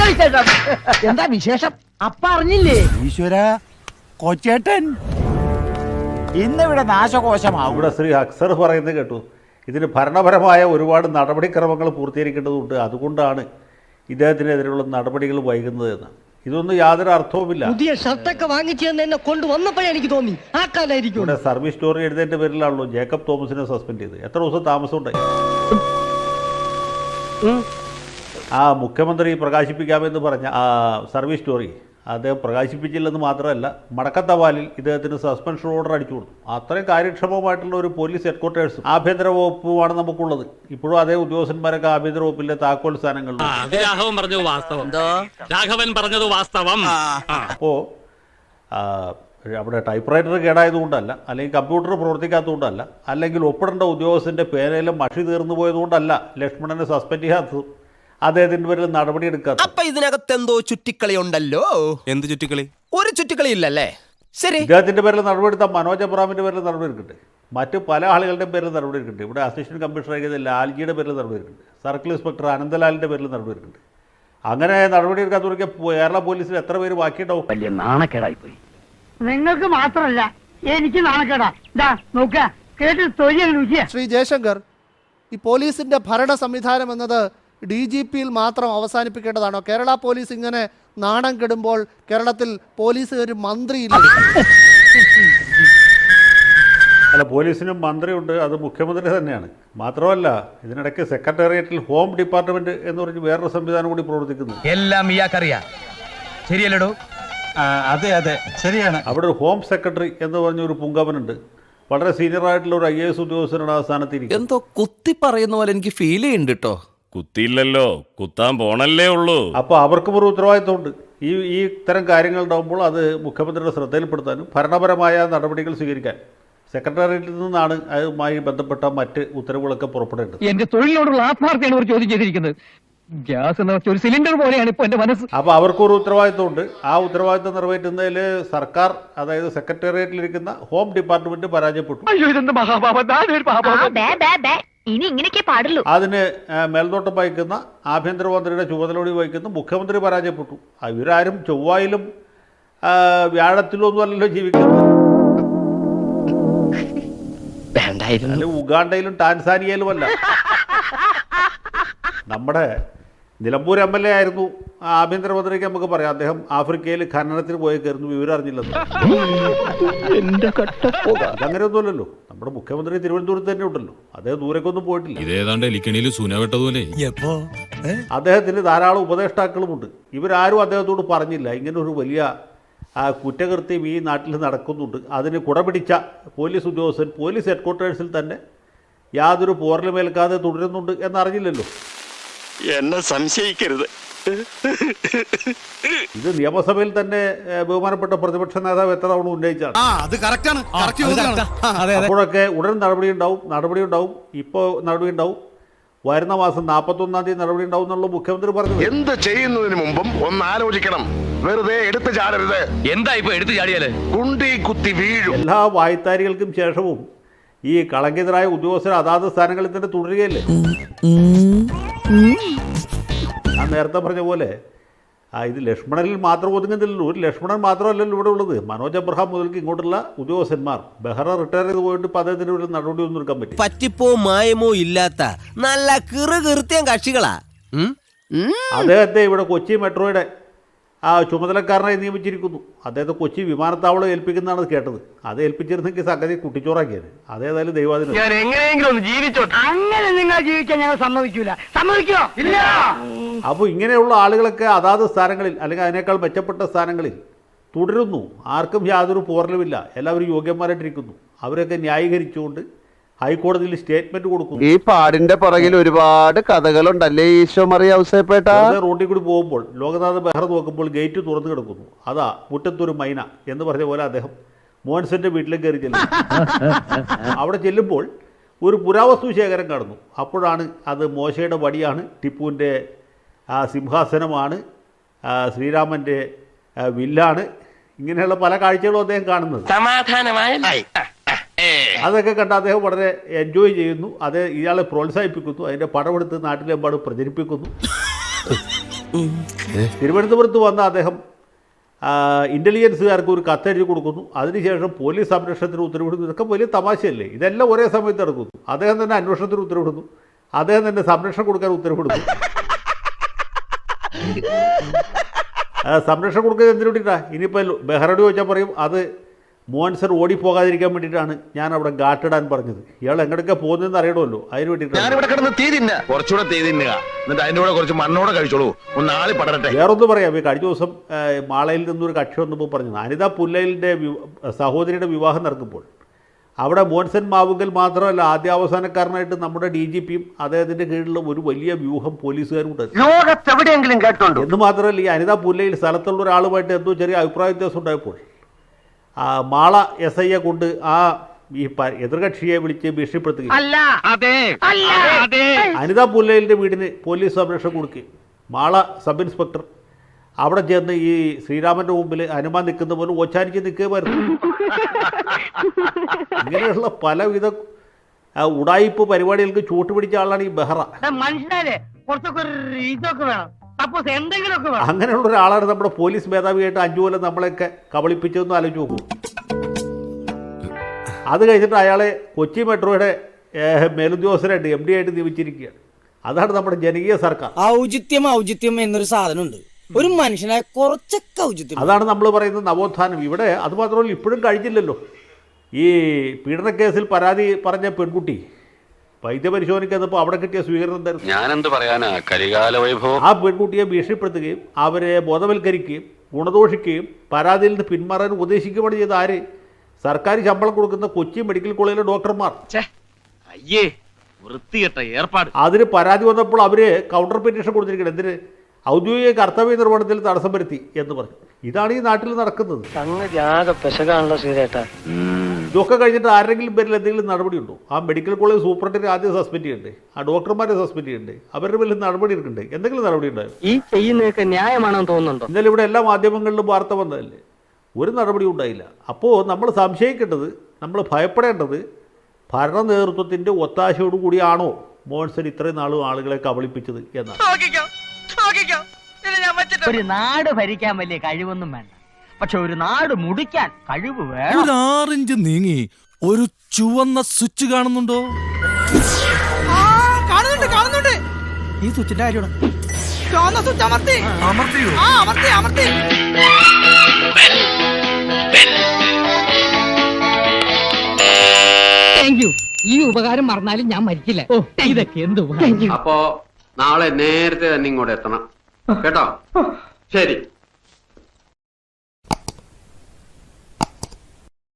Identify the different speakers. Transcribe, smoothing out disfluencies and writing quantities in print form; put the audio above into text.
Speaker 1: എന്താ വിശേഷം? അപ്പ അറിഞ്ഞില്ലേ?
Speaker 2: ഈശ്വര, കൊച്ചേട്ടൻ ഇന്നിവിടെ നാശകോശമാവും.
Speaker 3: ഇവിടെ ശ്രീ അക്സർ പറയുന്നത് കേട്ടു, ഇതിന് ഭരണപരമായ ഒരുപാട് നടപടിക്രമങ്ങൾ പൂർത്തീകരിക്കേണ്ടതുണ്ട്, അതുകൊണ്ടാണ് ഇദ്ദേഹത്തിനെതിരെയുള്ള നടപടികൾ വൈകുന്നത് എന്ന്. ഇതൊന്നും യാതൊരു അർത്ഥവുമില്ല.
Speaker 1: പുതിയ ഷർട്ടൊക്കെ വാങ്ങിച്ചു എന്നെ കൊണ്ടുവന്നപ്പോഴേ എനിക്ക് തോന്നി ആ കാലായിരിക്കും.
Speaker 3: ഇവിടെ സർവീസ് സ്റ്റോറി എഴുതേണ്ട പേരിലാണല്ലോ ജേക്കബ് തോമസിനെ സസ്പെൻഡ് ചെയ്ത്. എത്ര ദിവസം താമസം ഉണ്ടായി? ആ മുഖ്യമന്ത്രി പ്രകാശിപ്പിക്കാമെന്ന് പറഞ്ഞ ആ സർവീസ് സ്റ്റോറി അദ്ദേഹം പ്രകാശിപ്പിച്ചില്ലെന്ന് മാത്രമല്ല, മടക്കത്തവാലിൽ ഇദ്ദേഹത്തിന് സസ്പെൻഷൻ ഓർഡർ അടിച്ചു കൊടുത്തു. അത്രയും കാര്യക്ഷമമായിട്ടുള്ള ഒരു പോലീസ് ഹെഡ്ക്വാർട്ടേഴ്സും ആഭ്യന്തര വകുപ്പുമാണ് നമുക്കുള്ളത്. ഇപ്പോഴും അതേ ഉദ്യോഗസ്ഥന്മാരൊക്കെ ആഭ്യന്തര വകുപ്പിലെ താക്കോൽ സ്ഥാനങ്ങളിൽ.
Speaker 4: രാഘവൻ പറഞ്ഞത് വാസ്തവം.
Speaker 3: അപ്പോൾ അവിടെ ടൈപ്പ് റൈറ്റർ കേടായതുകൊണ്ടല്ല, അല്ലെങ്കിൽ കമ്പ്യൂട്ടർ പ്രവർത്തിക്കാത്തതുകൊണ്ടല്ല, അല്ലെങ്കിൽ ഒപ്പിടേണ്ട ഉദ്യോഗസ്ഥൻ്റെ പേനയിലും മഷി തീർന്നു പോയതുകൊണ്ടല്ല ലക്ഷ്മണനെ സസ്പെൻഡ് ചെയ്യാത്തത്, അദ്ദേഹത്തിന്റെ പേരിൽ നടപടി എടുക്കാത്ത.
Speaker 5: അപ്പൊ ഇതിനകത്ത് എന്തോ ചുറ്റിക്കളി ഉണ്ടല്ലോ. എന്ത് ചുറ്റിക്കളി? ഒരു ചുറ്റിക്കളി ഇല്ലല്ലേ? ശരി,
Speaker 3: ഇദ്ദേഹത്തിന്റെ പേരിൽ നടപടി എടുത്താൽ മനോജ് അബ്രാമിന്റെ പേരിൽ നടപടി എടുക്കട്ടെ, മറ്റ് പല ആളുകളുടെയും പേരിൽ നടപടി എടുക്കട്ടെ. ഇവിടെ അസിസ്റ്റന്റ് കമ്മീഷണർ ലാൽജിയുടെ പേരിൽ നടപടി എടുക്കട്ടെ, സർക്കിൾ ഇൻസ്പെക്ടർ അനന്തലാലിന്റെ പേരിൽ നടപടി എടുക്കട്ടെ. അങ്ങനെ നടപടി എടുക്കാത്തവർക്ക് കേരള പോലീസിൽ എത്ര പേര് ബാക്കിയുണ്ടാവും?
Speaker 6: വലിയ നാണക്കേടായി പോയി.
Speaker 1: നിങ്ങൾക്ക് മാത്രമല്ല, എനിക്ക് നാണക്കേടാ. നോക്ക കേട്ട് തൊഴിൽ.
Speaker 7: ശ്രീ ജയശങ്കർ, ഈ പോലീസിന്റെ ഭരണ സംവിധാനം എന്നത് DGPയിൽ മാത്രം അവസാനിപ്പിക്കേണ്ടതാണോ? കേരള പോലീസ് ഇങ്ങനെ നാണം കെടുമ്പോൾ കേരളത്തിൽ പോലീസ് ഒരു മന്ത്രിയില്ല?
Speaker 3: അല്ല, പോലീസിനും മന്ത്രിയുണ്ട്, അത് മുഖ്യമന്ത്രി തന്നെയാണ്. മാത്രമല്ല, ഇതിനിടയ്ക്ക് സെക്രട്ടേറിയറ്റിൽ ഹോം ഡിപ്പാർട്ട്മെന്റ് എന്ന് പറഞ്ഞ് വേറൊരു സംവിധാനം കൂടി പ്രവർത്തിക്കുന്നു.
Speaker 6: എല്ലാം ഇയാൾക്കറിയാം, ശരിയല്ലടോ?
Speaker 2: അതെ അതെ, ശരിയാണ്.
Speaker 3: അവിടെ ഒരു ഹോം സെക്രട്ടറി എന്ന് പറഞ്ഞൊരു പുങ്കവനുണ്ട്. വളരെ സീനിയർ ആയിട്ടുള്ള ഒരു IAS ഉദ്യോഗസ്ഥനാണ് ആ സ്ഥാനത്തിരിക്കുന്നത്.
Speaker 5: എന്തോ കുത്തി പറയുന്ന പോലെ എനിക്ക് ഫീൽ ചെയ്യുന്നുണ്ട് കേട്ടോ.
Speaker 4: കുത്തിയില്ലല്ലോ, കുത്താൻ പോണല്ലേ ഉള്ളൂ.
Speaker 3: അപ്പോൾ അവർക്കും ഒരു ഉത്തരവാദിത്വമുണ്ട്. ഈ ഇത്തരം കാര്യങ്ങൾ ഉണ്ടാകുമ്പോൾ അത് മുഖ്യമന്ത്രിയുടെ ശ്രദ്ധയിൽപ്പെടുത്താനും ഭരണപരമായ നടപടികൾ സ്വീകരിക്കാൻ സെക്രട്ടേറിയറ്റിൽ നിന്നാണ് അതുമായി ബന്ധപ്പെട്ട മറ്റ് ഉത്തരവുകളൊക്കെ പുറപ്പെടേണ്ടത്.
Speaker 6: എന്റെ തൊഴിലിനോടുള്ള ആത്മാർത്ഥയാണ് ഒരു ചോദ്യം ചെയ്തിരിക്കുന്നത്. ഗ്യാസ് എന്ന് വെച്ച ഒരു സിലിണ്ടർ പോലെയാണ് ഇപ്പൊ എന്റെ മനസ്സ്.
Speaker 3: അപ്പോൾ അവർക്കൊരു ഉത്തരവാദിത്വമുണ്ട്. ആ ഉത്തരവാദിത്വം നിറവേറ്റുന്നതിൽ സർക്കാർ, അതായത് സെക്രട്ടേറിയറ്റിലിരിക്കുന്ന ഹോം ഡിപ്പാർട്ട്മെന്റ് പരാജയപ്പെട്ടു.
Speaker 8: ഇനി ഇങ്ങനെയൊക്കെ പാടുള്ളൂ.
Speaker 3: അതിന് മേൽനോട്ടം വഹിക്കുന്ന ആഭ്യന്തരമന്ത്രിയുടെ ചുമതലയോടി വഹിക്കുന്ന മുഖ്യമന്ത്രി പരാജയപ്പെട്ടു. ഇവരാരും ചൊവ്വായിലും വ്യാഴത്തിലും ഒന്നും അല്ലല്ലോ ജീവിക്കുന്നത്. അല്ല, ഉഗാണ്ടയിലും ടാൻസാനിയയിലും അല്ല. നമ്മുടെ നിലമ്പൂർ MLA ആയിരുന്നു ആഭ്യന്തരമന്ത്രിക്ക് നമുക്ക് പറയാം. അദ്ദേഹം ആഫ്രിക്കയിൽ ഖനനത്തിന് പോയേക്കായിരുന്നു, വിവരം അറിഞ്ഞില്ലെന്ന്. അങ്ങനെയൊന്നുമല്ലല്ലോ. നമ്മുടെ മുഖ്യമന്ത്രി തിരുവനന്തപുരത്ത് തന്നെ ഉണ്ടല്ലോ, അദ്ദേഹം ദൂരേക്കൊന്നും പോയിട്ടില്ല. അദ്ദേഹത്തിന് ധാരാളം ഉപദേഷ്ടാക്കളുമുണ്ട്. ഇവരാരും അദ്ദേഹത്തോട് പറഞ്ഞില്ല ഇങ്ങനെ ഒരു വലിയ കുറ്റകൃത്യം ഈ നാട്ടിൽ നടക്കുന്നുണ്ട്. അതിന് കുടപിടിച്ച പോലീസ് ഉദ്യോഗസ്ഥൻ പോലീസ് ഹെഡ്ക്വാർട്ടേഴ്സിൽ തന്നെ യാതൊരു പോറലുമേൽക്കാതെ തുടരുന്നുണ്ട് എന്നറിഞ്ഞില്ലല്ലോ.
Speaker 4: എന്നെ സംശയിക്കരുത്.
Speaker 3: ഇത് നിയമസഭയിൽ തന്നെ ബഹുമാനപ്പെട്ട പ്രതിപക്ഷ നേതാവ് എത്ര തവണ ഉന്നയിച്ചാണ്. അപ്പോഴൊക്കെ ഉടൻ നടപടി ഉണ്ടാവും. ഇപ്പോൾ നടപടി ഉണ്ടാവും. വരുന്ന മാസം 41-ാം തീയതി നടപടി ഉണ്ടാവും എന്നുള്ള മുഖ്യമന്ത്രി പറഞ്ഞു.
Speaker 9: എന്ത് ചെയ്യുന്നതിന് മുമ്പും ഒന്ന് ആലോചിക്കണം. വെറുതെ എടുത്തു ചാടരുത്.
Speaker 6: എന്താ ഇപ്പൊ എടുത്തു ചാടിയാല് കുണ്ടി
Speaker 9: കുത്തി വീഴും.
Speaker 3: എല്ലാ വായ്ത്താരികൾക്കും ശേഷവും ഈ കളങ്കിതരായ ഉദ്യോഗസ്ഥർ അതാത് സ്ഥാനങ്ങളിൽ തന്നെ തുടരുകയല്ലേ. ഞാൻ നേരത്തെ പറഞ്ഞ പോലെ ഇത് ലക്ഷ്മണനിൽ മാത്രം ഒതുങ്ങുന്നില്ലല്ലോ. ഒരു ലക്ഷ്മണൻ മാത്രമല്ലല്ലോ ഇവിടെ ഉള്ളത്. മനോജ് അബ്രഹാം മുതൽക്ക് ഇങ്ങോട്ടുള്ള ഉദ്യോഗസ്ഥന്മാർ, ബെഹ്റ റിട്ടയർ ചെയ്ത് പോയിട്ട് ഇപ്പോൾ അദ്ദേഹത്തിന് ഒരു നടപടിയൊന്നും എടുക്കാൻ പറ്റും.
Speaker 5: പറ്റിപ്പോ മായമോ ഇല്ലാത്ത നല്ല കൃത്യം കക്ഷികളാ.
Speaker 3: അദ്ദേഹത്തെ ഇവിടെ കൊച്ചി മെട്രോയുടെ ചുമതലക്കാരനായി നിയമിച്ചിരിക്കുന്നു. അദ്ദേഹത്തെ കൊച്ചി വിമാനത്താവളം ഏൽപ്പിക്കുന്നതാണ് കേട്ടത്. അത് ഏൽപ്പിച്ചിരുന്നെങ്കിൽ സംഗതി കുട്ടിച്ചോറാക്കിയത്. അതേതായാലും ദൈവാധീനം.
Speaker 1: ഞാൻ എങ്ങനെയെങ്കിലും ഒന്ന് ജീവിച്ചോട്ടെ. അങ്ങനെ നിങ്ങൾ ജീവിക്കാൻ ഞങ്ങൾ സമ്മതിക്കൂല. സമ്മതിക്കോ? ഇല്ല.
Speaker 3: അപ്പോൾ ഇങ്ങനെയുള്ള ആളുകളൊക്കെ അതാത് സ്ഥാനങ്ങളിൽ, അല്ലെങ്കിൽ അതിനേക്കാൾ മെച്ചപ്പെട്ട സ്ഥാനങ്ങളിൽ തുടരുന്നു. ആർക്കും യാതൊരു പോറലുമില്ല. എല്ലാവരും യോഗ്യന്മാരായിട്ടിരിക്കുന്നു. അവരൊക്കെ ന്യായീകരിച്ചുകൊണ്ട് ഹൈക്കോടതിയിൽ സ്റ്റേറ്റ്മെന്റ് കൊടുക്കുന്നു.
Speaker 10: ഈ പാടിന്റെ പുറകിൽ ഒരുപാട് കഥകളുണ്ടല്ലേ ഈശോ മറിയ ഔസേപ്പേട്ട.
Speaker 3: റോഡിൽ കൂടി പോകുമ്പോൾ ലോകനാഥ് ബെഹ്റ നോക്കുമ്പോൾ ഗേറ്റ് തുറന്നു കിടക്കുന്നു. അതാ മുറ്റത്തൊരു മൈന എന്ന് പറഞ്ഞ പോലെ അദ്ദേഹം മോൻസന്റെ വീട്ടിലേക്ക് കയറി ചെല്ലുന്നു. അവിടെ ചെല്ലുമ്പോൾ ഒരു പുരാവസ്തു ശേഖരം കാണുന്നു. അപ്പോഴാണ് അത് മോശയുടെ വടിയാണ്, ടിപ്പുവിൻ്റെ സിംഹാസനമാണ്, ശ്രീരാമൻ്റെ വില്ലാണ്. ഇങ്ങനെയുള്ള പല കാഴ്ചകളും അദ്ദേഹം കാണുന്നത്. അതൊക്കെ കണ്ട് അദ്ദേഹം വളരെ എൻജോയ് ചെയ്യുന്നു. അത് ഇയാളെ പ്രോത്സാഹിപ്പിക്കുന്നു. അതിൻ്റെ പടമെടുത്ത് നാട്ടിലെമ്പാടും പ്രചരിപ്പിക്കുന്നു. തിരുവനന്തപുരത്ത് വന്ന അദ്ദേഹം ഇൻ്റലിജൻസുകാർക്ക് ഒരു കത്തെഴുതി കൊടുക്കുന്നു. അതിനുശേഷം പോലീസ് സംരക്ഷണത്തിന് ഉത്തരവിടുന്നു. ഇതൊക്കെ വലിയ തമാശയല്ലേ? ഇതെല്ലാം ഒരേ സമയത്ത് നടക്കുന്നു. അദ്ദേഹം തന്നെ അന്വേഷണത്തിന് ഉത്തരവിടുന്നു, അദ്ദേഹം തന്നെ സംരക്ഷണം കൊടുക്കാൻ ഉത്തരവിടുന്നു. സംരക്ഷണം കൊടുക്കുന്നത് എന്തിനു വേണ്ടിയിട്ടാണ്? ഇനിയിപ്പോൾ ബെഹ്റയോട് ചോദിച്ചാൽ പറയും അത് മോഹൻസർ ഓടിപ്പോകാതിരിക്കാൻ വേണ്ടിയിട്ടാണ് ഞാൻ അവിടെ ഗാട്ടിടാൻ പറഞ്ഞത്. ഇയാൾ എങ്ങനെയൊക്കെ പോകുന്നതെന്ന് അറിയണമല്ലോ, അതിന് വേണ്ടിയിട്ടാണ്.
Speaker 9: കുറച്ചുകൂടെ തീ തിന്നുക, എന്നിട്ട് അതിൻ്റെ കൂടെ കുറച്ച് മണ്ണോടെ കഴിച്ചോളൂ, ഒന്ന് ആളി പടരട്ടെ.
Speaker 3: വേറൊന്നും പറയാം. ഈ കഴിഞ്ഞ ദിവസം മാളയിൽ നിന്നൊരു കക്ഷി വന്നപ്പോൾ പറഞ്ഞത് അനിത പുല്ലയിലിൻ്റെ സഹോദരിയുടെ വിവാഹം നടക്കുമ്പോൾ അവിടെ മോൻസൻ മാവുങ്കൽ മാത്രമല്ല ആദ്യാവസാനക്കാരനായിട്ട് നമ്മുടെ DGPയും അദ്ദേഹത്തിൻ്റെ കീഴിലുള്ള ഒരു വലിയ വ്യൂഹം പോലീസുകാരുണ്ട്.
Speaker 1: ലോകത്തെവിടെയെങ്കിലും കേട്ടോണ്ടോ?
Speaker 3: എന്ന് മാത്രമല്ല, ഈ അനിത പുല്ലയിൽ സ്ഥലത്തുള്ള ഒരാളുമായിട്ട് എന്തോ ചെറിയ അഭിപ്രായ വ്യത്യാസം ഉണ്ടായപ്പോൾ മാള SIയെ കൊണ്ട് ഈ എതിർകക്ഷിയെ വിളിച്ച് ഭീഷണിപ്പെടുത്തുകയും അനിത പുല്ലയിലിൻ്റെ വീടിന് പോലീസ് സംരക്ഷണം കൊടുക്കുകയും മാള സബ് ഇൻസ്പെക്ടർ അവിടെ ചെന്ന് ഈ ശ്രീരാമന്റെ മുമ്പിൽ ഹനുമാൻ നിൽക്കുന്ന പോലെ ഓച്ചാനിച്ച് നിൽക്കുകയായിരുന്നു. ഇങ്ങനെയുള്ള പലവിധ ഉടായിപ്പ് പരിപാടികൾക്ക് ചൂട്ടുപിടിച്ച ആളാണ് ഈ ബെഹ്റ.
Speaker 1: മനുഷ്യരെ കുറച്ചൊക്കെ ഇതൊക്കെ വേണം, സപ്പോസ് എന്തെങ്കിലുമൊക്കെ വേണം.
Speaker 3: അങ്ങനെയുള്ള ഒരാളാണ് നമ്മുടെ പോലീസ് മേധാവിയായിട്ട് 5 കൊല്ലം നമ്മളെയൊക്കെ കബളിപ്പിച്ചതെന്ന് ആലോചിച്ച് നോക്കൂ. അത് കഴിഞ്ഞിട്ട് അയാളെ കൊച്ചി മെട്രോയുടെ മേലുദ്യോഗസ്ഥരായിട്ട് MD ആയിട്ട് നിയമിച്ചിരിക്കുകയാണ്. അതാണ് നമ്മുടെ ജനകീയ സർക്കാർ.
Speaker 5: ഔചിത്യം എന്നൊരു സാധനമുണ്ട്, ഒരു മനുഷ്യനായ കുറച്ചൊക്കെ ഔചിത്യം.
Speaker 3: അതാണ് നമ്മൾ പറയുന്നത് നവോത്ഥാനം. ഇവിടെ അത് മാത്രമല്ല, ഇപ്പോഴും കഴിഞ്ഞില്ലല്ലോ. ഈ പീഡനക്കേസിൽ പരാതി പറഞ്ഞ പെൺകുട്ടി വൈദ്യപരിശോധനയ്ക്കെന്നപ്പോൾ അവിടെ കിട്ടിയ സ്വീകരണം എന്തായിരുന്നു?
Speaker 4: ഞാനെന്ത് പറയാനാ, കരികാല വൈഭവം.
Speaker 3: ആ പെൺകുട്ടിയെ ഭീഷണിപ്പെടുത്തുകയും അവരെ ബോധവൽക്കരിക്കുകയും ഗുണദോഷിക്കുകയും പരാതിയിൽ നിന്ന് പിന്മാറാൻ ഉപദേശിക്കുകയാണ് ചെയ്ത ആര്? സർക്കാർ ശമ്പളം കൊടുക്കുന്ന കൊച്ചി മെഡിക്കൽ കോളേജിലെ ഡോക്ടർമാർ.
Speaker 4: അയ്യേ, വൃത്തികെട്ട ഏർപ്പാട്.
Speaker 3: അതിന് പരാതി വന്നപ്പോൾ അവർ കൗണ്ടർ പെറ്റീഷൻ കൊടുത്തിരിക്കണം. എന്തിന്? ഔദ്യോഗിക കർത്തവ്യ നിർവഹണത്തിൽ തടസ്സം വരുത്തി എന്ന് പറഞ്ഞു. ഇതാണ് ഈ നാട്ടിൽ നടക്കുന്നത്. ഇതൊക്കെ കഴിഞ്ഞിട്ട് ആരെങ്കിലും പേരിൽ എന്തെങ്കിലും നടപടിയുണ്ടോ? ആ മെഡിക്കൽ കോളേജ് സൂപ്രണ്ടിനെ ആദ്യം സസ്പെൻഡ് ചെയ്യണ്ടേ? ആ ഡോക്ടർമാരെ സസ്പെൻഡ് ചെയ്യണ്ടേ? അവരുടെ പേരിൽ നടപടി എടുക്കണ്ടേ? എന്തെങ്കിലും നടപടി ഉണ്ടായോ?
Speaker 1: ഈ ചെയ്യുന്നതൊക്കെ ന്യായമാണെന്ന് തോന്നുന്നുണ്ടോ?
Speaker 3: ഇന്നലെ ഇവിടെ എല്ലാ മാധ്യമങ്ങളിലും വാർത്ത വന്നതല്ലേ, ഒരു നടപടി ഉണ്ടായില്ല. അപ്പോൾ നമ്മൾ സംശയിക്കേണ്ടത്, നമ്മൾ ഭയപ്പെടേണ്ടത് ഭരണ നേതൃത്വത്തിൻ്റെ ഒത്താശയോടുകൂടിയാണോ മോൻസൺ ഇത്രയും നാളും ആളുകളെ കബളിപ്പിച്ചത് എന്നാണ്.
Speaker 1: ഒരു നാട് ഭരിക്കാൻ വലിയ കഴിവൊന്നും വേണ്ട, പക്ഷെ ഒരു നാട് മുടിക്കാൻ കഴിവ് വേണം.
Speaker 5: 6 ഇഞ്ച് നീങ്ങി ഒരു ചുവന്ന സ്വിച്ച് കാണുന്നുണ്ടോ? കാണുന്നുണ്ട്. ഈ സ്വിച്ചിന്റെ കാര്യമാണ്. ചുവന്ന സ്വിച്ച് അമർത്തി.
Speaker 6: Thank you. ഈ ഉപകാരം മറന്നാലും ഞാൻ മരിക്കില്ല. ഇതൊക്കെ എന്ത് ഉപകാരം.
Speaker 11: അപ്പോ നാളെ നേരത്തെ തന്നെ ഇങ്ങോട്ട് എത്തണം കേട്ടോ. ശരി.